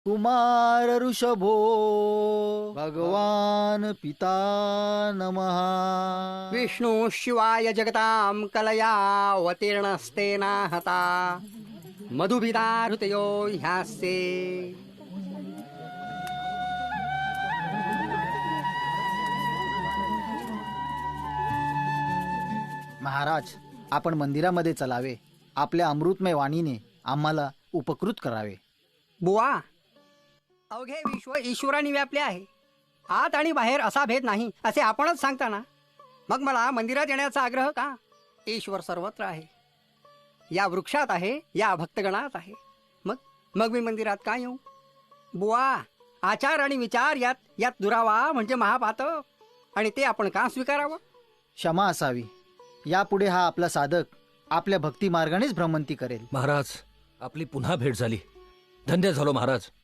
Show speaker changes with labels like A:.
A: कुमार ऋषभो भगवान पिता नमः।
B: विष्णु शिवाय जगतां कलयावतीर्णस्तेना हता मधुभिदाहृतयो ह्यास्ते।
A: महाराज, आपण मंदिरामध्ये चलावे. आपल्या अमृतमय वाणीने आम्हाला उपकृत करावे.
B: बुवा, अवघे विश्व ईश्वराने व्यापले आहे. आत आणि बाहेर असा भेद नाही असे आपणच सांगता ना. मग मला मंदिरात येण्याचा आग्रह का? ईश्वर सर्वत्र आहे. या वृक्षात आहे, या भक्तगणात आहे. मग मग मी मंदिरात का येऊ? बुवा, आचार आणि विचार यात दुरावा म्हणजे महापातक, आणि ते आपण का स्वीकारावं?
A: क्षमा असावी. यापुढे हा आपला साधक आपल्या भक्ती मार्गानेच भ्रमंती करेल.
C: महाराज, आपली पुन्हा भेट झाली. धन्य झालो महाराज.